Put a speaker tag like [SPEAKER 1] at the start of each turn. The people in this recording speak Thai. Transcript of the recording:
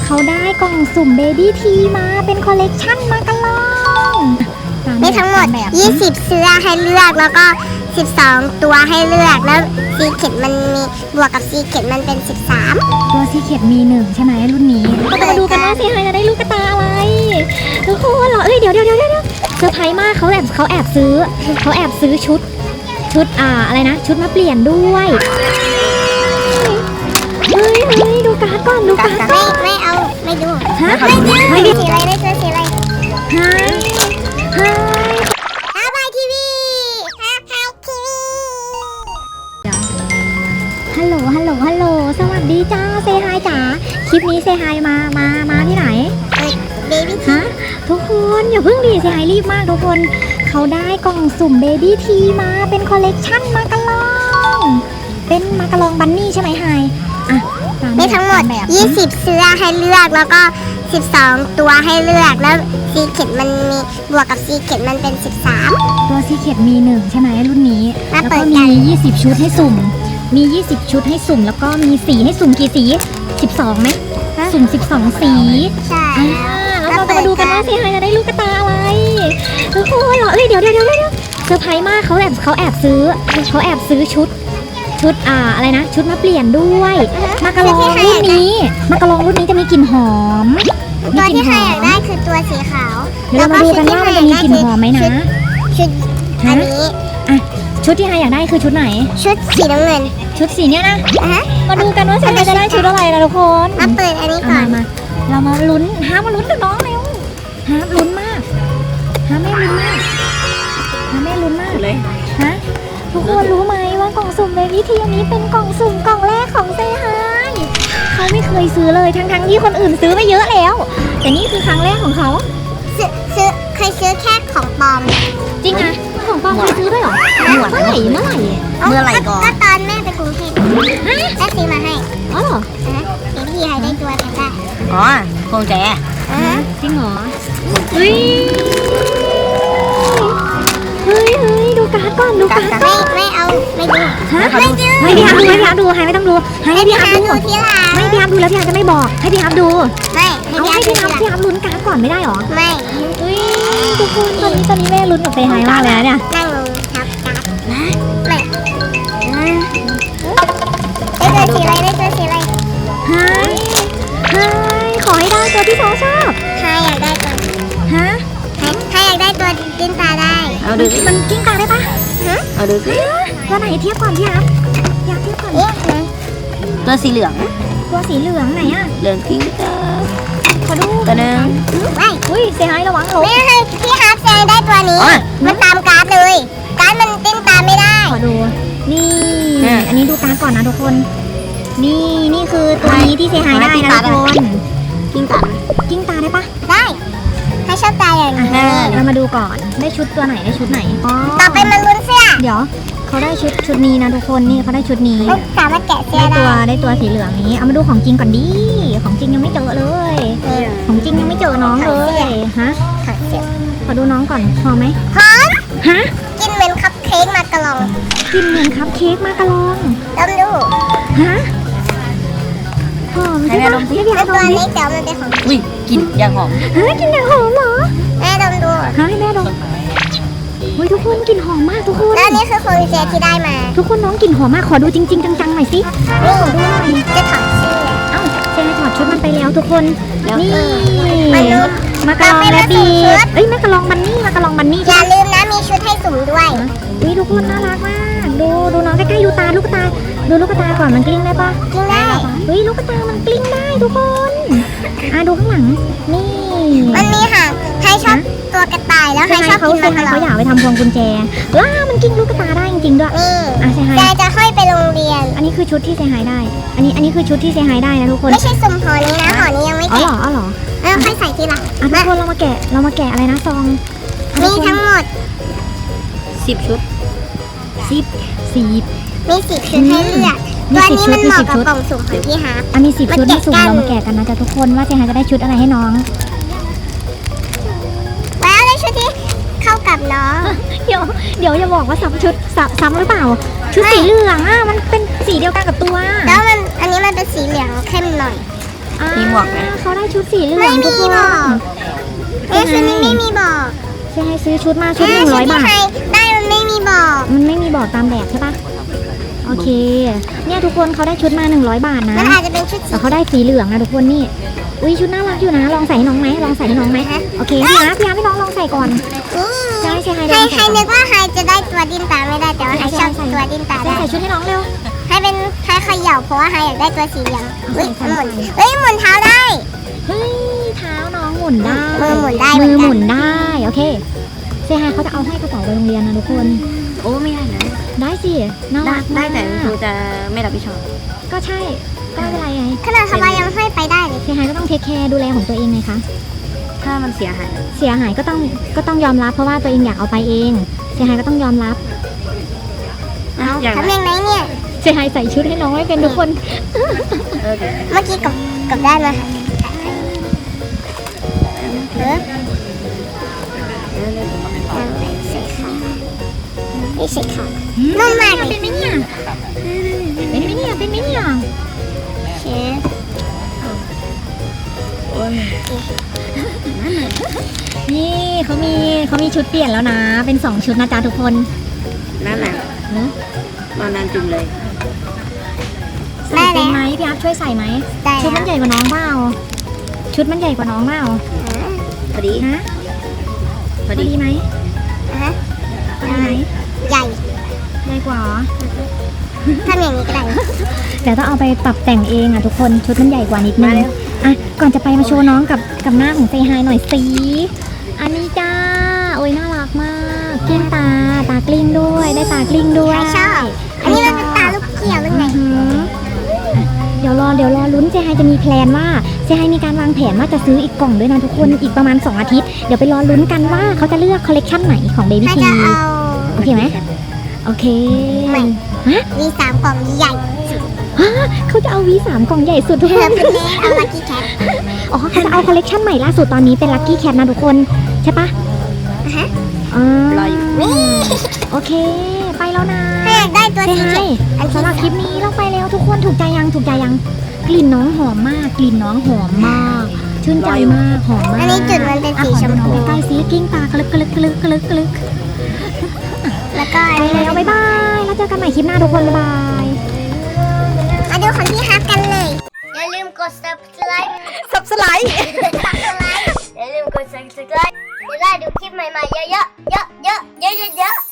[SPEAKER 1] เขาได้กล่องสุ่มเบบี้ทีมาเป็นคอลเลกชันมากระลอง
[SPEAKER 2] มีทั้งหมด20เสื้อให้เลือกแล้วก็12ตัวให้เลือกแล้วซีเค็ดมันมีบวกกับซีเค็ดมันเป็น13
[SPEAKER 1] ตัวซีเค็ดมี1ใช่ไหมรุ่นนี้เรามาดูกันว่าซีไฮจะได้ลูกกระตาอะไรทุกคนเหรอเดี๋ยวเซอร์ไพรส์มากเขาแอบซื้อชุดอะไรนะชุดมาเปลี่ยนด้วยเฮ้ยดูการ์ดก่อน
[SPEAKER 2] ไม่เอาไม่ดู
[SPEAKER 1] ฮะ
[SPEAKER 2] ไม่ดูสีอะไรได้ตัวสีอะไร
[SPEAKER 1] ฮะ
[SPEAKER 2] อาบายทีวี
[SPEAKER 1] ฮัลโหลสวัสดีจ้าเซฮายจ๋าคลิปนี้เซฮายมาที่ไหน
[SPEAKER 2] เบบี้
[SPEAKER 1] ฮะทุกคนอย่าเพิ่งดีเซฮายรีบมากทุกคนเขาได้กล่องสุ่มเบบี้ทีมาเป็นคอลเลกชันมากระลองเป็นมากระลองบันนี่ใช่ไหมไฮ
[SPEAKER 2] มีทั้งหมด20เสื้อให้เลือกแล้วก็12ตัวให้เลือกแล้วซีเค็ดมันมีบวกกับซีเค็ดมันเป็น13
[SPEAKER 1] ตัวซีเค็ดมี1ใช่ไหมรุ่นนี้แล้วก็มี20ชุดให้สุ่มมี20ชุดให้สุ่มแล้วก็มีสีให้สุ่มกี่สี12ไหมสุ่ม12สี
[SPEAKER 2] ใช่
[SPEAKER 1] แล้วเราจะมาดูกันว่าซีไฮจะได้ลูกกระตาอะไรทุกคนเหรอเดี๋ยวเซอร์ไพรส์มากเขาแอบซื้อชุดอะไรนะชุดมาเปลี่ยนด้วยมากระลองรุ่นนี้จะมีกลิ่นหอม
[SPEAKER 2] ตัวที่ใครอยากได้คือตัวสีขาว
[SPEAKER 1] เดี๋ยวเรามาดูกันว่ามันจะมีกลิ่นหอมไหมนะ
[SPEAKER 2] ชุดอันนี้
[SPEAKER 1] ชุดที่ไฮอยากได้คือชุดไหน
[SPEAKER 2] ชุดสีน้ำเงิน
[SPEAKER 1] ชุดสีเนี้ยนะมาดูกันว่าไฮจะได้ชุดอะไรนะทุกคน
[SPEAKER 2] มาเปิดอันนี้ก่อน
[SPEAKER 1] มาเรามาลุ้นมาลุ้นกับน้องเร็วลุ้นมากแม่ลุ้นมากเลยทุกคนรู้ไหมว่ากล่องสุ่มเบบี้ทีนี้เป็นกล่องสุ่มกล่องแรกของเซฮายเขาไม่เคยซื้อเลยทั้งที่คนอื่นซื้อไปเยอะแล้วแต่นี่คือครั้งแรกของเขา
[SPEAKER 2] เคยซื้อแค่ของปลอม
[SPEAKER 1] จริงนะของปลอมเคยซื้อด้วยเหรอเมื่อไหร่ก่อน
[SPEAKER 2] ก็ตอนแม่ไปกรุงเทพแม่ซื้อมาให้
[SPEAKER 1] อ๋อเหรอ
[SPEAKER 2] เบบี้ทีได้ตัวแพนด้า
[SPEAKER 1] พวงแจจริงเหรอเฮ้ยดูการ์ดก่อน
[SPEAKER 2] ไม่เอาไม่ดู
[SPEAKER 1] ให้พี่ฮับดูไม่ต้องดูให้พี่ฮับดู
[SPEAKER 2] ทีหลัง
[SPEAKER 1] ไม่พี่ฮับดูแล้วพี่ฮับจะไม่บอกให้พี่ฮับดู
[SPEAKER 2] ไม่
[SPEAKER 1] ให้พี่ฮับลุ้นการ์ดก่อนไม่ได้หรอ
[SPEAKER 2] ไม่
[SPEAKER 1] ทุกคนตอนนี้แม่ลุ้นกับเซฮายมากเลยนะเนี่ย
[SPEAKER 2] นั่งลงทับการ์ดไม่ได้ตัวสีอะไร
[SPEAKER 1] ขอให้ได้ตัวที่เขาชอบ
[SPEAKER 2] ใครอยากได้ตัวใครอยากได้ตัวกิ้งตาได้
[SPEAKER 1] เอาดูมันกิ้งตาได้ปะ
[SPEAKER 2] เอาดูสิ
[SPEAKER 1] ตัวไหนเทียบก่อนพี่ฮับอยากเทียบก่อน
[SPEAKER 3] ตัวสีเหลือง
[SPEAKER 1] ไหนอ่ะ
[SPEAKER 3] เหลืองกิ้งตา
[SPEAKER 1] ขอดู
[SPEAKER 3] ตัวนึง
[SPEAKER 1] อุ้ยเซฮายระวังหลบ
[SPEAKER 2] ไม่ให้พี่ฮับแซงได้ตัวนี้มันตามการ์ดเลยการ์ดมันกิ้งตาไม่ได้
[SPEAKER 1] ขอดูนี่อันนี้ดูการ์ดก่อนนะทุกคนนี่คือตัวนี้ที่เซฮายได้นะทุกคนกิ้งตาได้ปะ
[SPEAKER 2] ได้ให้ชอบตาอย่างนี้
[SPEAKER 1] เรามาดูก่อนได้ชุดตัวไหนได้ชุดไหน
[SPEAKER 2] ต่อไปมันลุ้นเสื้อ
[SPEAKER 1] เดี๋ยวเขาได้ชุดนี้นะทุกคนนี่เขาได้ชุดนี้
[SPEAKER 2] สามารถแกะเสื้อ
[SPEAKER 1] ได้ตัวสีเหลืองนี้เอามาดูของจริงก่อนดิของจริงยังไม่เจอเลยของจริงยังไม่เจอน้องเลยฮะขอดูน้องก่อนพอไหม
[SPEAKER 2] พร้อม
[SPEAKER 1] ฮะ
[SPEAKER 2] กินเหมือนคัพเค้กมากระลอง
[SPEAKER 1] กินเหมือนคัพเค้กมากระลอง
[SPEAKER 2] ดู
[SPEAKER 1] ฮะหอมใช่ไหม
[SPEAKER 2] ให้พี่ตัวเล็กเดี๋ยวมันเป็นของ
[SPEAKER 3] กินอย่างหอม
[SPEAKER 1] กินอย่างหอมเหรอ
[SPEAKER 2] แม่ดู
[SPEAKER 1] ให้แม่ดมทุกคนกลิ่นหอมมากทุกคน
[SPEAKER 2] แล้วนี่คือคนเจที่ได้มา
[SPEAKER 1] ทุกคนน้องกลิ่นหอมมากขอดูจริงๆจังๆหน่อยสิ
[SPEAKER 2] ขอดูหน่อยจะถอดเสื้อ
[SPEAKER 1] เซนถอดชุดมันไปแล้วทุกคนนี่มากระลองและบีมากระลองบันนี่
[SPEAKER 2] อย่าลืมนะมีชุดให้สุ่มด้วย
[SPEAKER 1] ทุกคนน่ารักมากดูน้องใกล้ๆดูตาลูกตาดูลูกตาก่อนมันกลิ้งได้ปะ
[SPEAKER 2] กลิ้งได้
[SPEAKER 1] ลูกตามันกลิ้งได้ทุกคนดูข้างหลังนี่
[SPEAKER 2] มันมีค่ะใครชอบตัวกระต่ายแล้วใครชอบกินมัน
[SPEAKER 1] เขาอยากไปทำพวงกุญแจมันกิ้งลูกตาได้จริงๆด้วย
[SPEAKER 2] แต่จะค่อยไปโรงเรียน
[SPEAKER 1] อันนี้คือชุดที่เซฮายได้อันนี้คือชุดที่เซฮายได้นะทุกคน
[SPEAKER 2] ไม่ใช่สุ่มห่อนี้นะห่อนี้ยังไม่แกะ
[SPEAKER 1] อ๋อเหรอ
[SPEAKER 2] ค่อยใส่ทีหลัง
[SPEAKER 1] ทุกคนเรามาแกะอะไรนะซอง
[SPEAKER 2] มีทั้งหมด
[SPEAKER 3] 10 ชุด
[SPEAKER 2] มี10 ชุดให้เลือกตัวนี้มันเหมาะกับกล่องสุ่มของพี่ฮาร์ป
[SPEAKER 1] มี10 ชุดให้สุ่มเรามาแกะกันนะจ๊ะทุกคนว่าเซฮายจะได้ชุดอะไรให้น้อง
[SPEAKER 2] แล้วได้ชุดที่เข้ากับน้อง
[SPEAKER 1] เดี๋ยวอย่าบอกว่าซ้ำหรือเปล่าชุดสีเหลืองมันเป็นสีเดียวกันกับตัว
[SPEAKER 2] แล้วอันนี้มันเป็นสีเหลืองเข้มหน่อย
[SPEAKER 3] มีหมวกไหม
[SPEAKER 1] เขาได้ชุดสีเหลื
[SPEAKER 2] ไม่
[SPEAKER 1] องทุ
[SPEAKER 2] มี
[SPEAKER 1] กคน
[SPEAKER 2] บอกชุดนี้ไม่มีบอก
[SPEAKER 1] เซฮายซื้อชุดมาชุด
[SPEAKER 2] ชุด
[SPEAKER 1] 100
[SPEAKER 2] ที่
[SPEAKER 1] บาท
[SPEAKER 2] ใครได้มันไม่มีบอก
[SPEAKER 1] มันไม่มีบอกตามแบบใช่ปะโอเค เนี่ยทุกคนเขาได้ชุดมา100 บาทนะ
[SPEAKER 2] มันอาจจะเป็นชุดสี
[SPEAKER 1] แต่เขาได้สีเหลืองนะทุกคนนี่ อุ้ยชุดน่ารักอยู่นะ ลองใส่ให้น้องไหมลองใส่ให้น้องไหมโอเคพี่อาร์พี่น้องลองใส่ก่อน ใช่ใช่ให้
[SPEAKER 2] ใคร
[SPEAKER 1] ลอง
[SPEAKER 2] ใคร
[SPEAKER 1] ใส่ก่
[SPEAKER 2] นึ
[SPEAKER 1] อน
[SPEAKER 2] กว่าใครจะได้ตัวดิ้นตาไม่ได้แต่ว่าใครชอบตัวดิ้นตา
[SPEAKER 1] ใส่
[SPEAKER 2] ได้
[SPEAKER 1] ใส่ชุดให้น้องเร็ว
[SPEAKER 2] ให้เป็นใครเขย่าเพราะว่าใครอยากได้ตัวสีเหลือง
[SPEAKER 1] ใส่
[SPEAKER 2] เฮ้ย
[SPEAKER 1] ใส่
[SPEAKER 2] หมุน
[SPEAKER 1] ใส่
[SPEAKER 2] เฮ้ยหมุนเท้าได้
[SPEAKER 1] เฮ้ยเท้าน้องหมุนได้
[SPEAKER 2] มือหมุนได้เหมื
[SPEAKER 1] มื
[SPEAKER 2] อนกัน
[SPEAKER 1] อหมุนได้โอเคเซฮายเขาจะเอาให้กระเป๋าไปโรงเรียนนะทุกคน
[SPEAKER 3] โอ้ไม่ได้นะ
[SPEAKER 1] ได้สิน่า
[SPEAKER 3] ได้
[SPEAKER 1] รัก
[SPEAKER 3] ได้
[SPEAKER 1] มาก
[SPEAKER 3] แต่ครูจะไม่รับผิดชอบ
[SPEAKER 1] ก็ใช่ก็ไม่เป็นไรไง
[SPEAKER 2] ขนาดทำไมยังให้ไปได้เลย
[SPEAKER 1] เซฮายก็ต้องเทคแคร์ดูแลของตัวเองไงคะ
[SPEAKER 3] ถ้ามันเสียหาย
[SPEAKER 1] เสียหายก็ต้องยอมรับเพราะว่าตัวเองอยากเอาไปเองเซฮายก็ต้องยอมรับ
[SPEAKER 3] อย่าง
[SPEAKER 2] ทำยังไงเนี่ย
[SPEAKER 1] เซฮายใส่ชุดให้น้องให้เป็นทุกคน
[SPEAKER 3] เออเดี๋ยว
[SPEAKER 2] เมื่อกี้กับได้มาเออนี่ใส่ขานุ่มมากเลย
[SPEAKER 1] เป็นไหมเนี่ยเป็นไหมเนี่ยเป็นไหมเนี่ย
[SPEAKER 2] เชฟ
[SPEAKER 3] โอ้ย
[SPEAKER 1] นี่เขามีชุดเปลี่ยนแล้วนะ เป็น2ชุดนะจ๊ะทุกคน
[SPEAKER 3] นั่นแหละ
[SPEAKER 1] เนอะ
[SPEAKER 3] มานานจุ่มเลย
[SPEAKER 1] ใส่เป็นไหมพี่อัพช่วยใส่ไหม
[SPEAKER 2] ได้
[SPEAKER 1] ชุดมันใหญ่กว่าน้องเปล่าชุดมันใหญ่กว่าน้องเปล่า
[SPEAKER 3] พอดี
[SPEAKER 1] ฮะ
[SPEAKER 3] พอ
[SPEAKER 1] พอ
[SPEAKER 3] ดี
[SPEAKER 1] ดีไหม
[SPEAKER 2] ฮะ
[SPEAKER 1] พอดีไหม
[SPEAKER 2] ใหญ่
[SPEAKER 1] ใหญ่กว่าเหรอ
[SPEAKER 2] ทำอย่างนี้ก็ได้
[SPEAKER 1] เดี๋ยวต้องเอาไปปรับแต่งเองอ่ะทุกคนชุดมันใหญ่กว่านิดนึงอ่ะก่อนจะไปมาโชว์น้องกับหน้าของเซฮายหน่อยสิอันนี้จ้าโอ้ยน่ารักมากกลิ้งตากลิ้งด้วยได้ตากลิ้งด้วย
[SPEAKER 2] ใครชอบ อันนี้มันเป็นตาลูกเกี่ยวหรือไง
[SPEAKER 1] อือหืออ่ะเดี๋ยวรอลุ้นเซฮายจะมีแพลนว่าเซฮายมีการวางแผนว่าจะซื้ออีกกล่องด้วยนะทุกคนอีกประมาณ2 อาทิตย์เดี๋ยวไปรอลุ้นกันว่าเขาจะเลือกคอลเลกชันไหนของ Baby
[SPEAKER 2] ถ้า
[SPEAKER 1] T
[SPEAKER 2] จะเอา
[SPEAKER 1] โอเคไหมโอเค
[SPEAKER 2] ไม่
[SPEAKER 1] ฮะ
[SPEAKER 2] มี3กล่องใหญ่
[SPEAKER 1] ฮะเขาจะเอา V3 กล่องใหญ่สุดทุก
[SPEAKER 2] เธ
[SPEAKER 1] ค
[SPEAKER 2] อน เป็นเล่เอาลักกี้แคท
[SPEAKER 1] อ๋อเขาจะเอาคอลเลกชันใหม่ล่าสุดตอนนี้เป็น Lucky Cat นะทุกคนใช่ปะ
[SPEAKER 2] ฮะ
[SPEAKER 1] อ๋อ
[SPEAKER 3] รออยู่
[SPEAKER 1] โอเค ไปแล้วนะ
[SPEAKER 2] ถ้าอยากได้ตัว
[SPEAKER 1] เซ
[SPEAKER 2] สี
[SPEAKER 1] ฮา
[SPEAKER 2] เขี
[SPEAKER 1] ย
[SPEAKER 2] ยวอัน
[SPEAKER 1] สำหรับคลิปนี้เราไปแล้วทุกคนถูกใจยังกลิ่นน้องหอมมากกลิ่นน้องหอมมาก ชื่นใจมากหอมมาก
[SPEAKER 2] อันนี้จุดมันเป็นสีชมพู
[SPEAKER 1] ใกล้ๆสีกิ้งตากระลึก
[SPEAKER 2] แล้วก็อัน
[SPEAKER 1] ไป
[SPEAKER 2] นี้
[SPEAKER 1] แล้วบ๊ายบายแล้วเจอกันใหม่คลิปหน้าทุกคนบ๊ายบาย
[SPEAKER 2] มาดูของพี่ฮับกันเลย อย่าลืมกด subscribe อย่าลืมกด subscribe จะได้ดูคลิปใหม่ๆเยอะๆ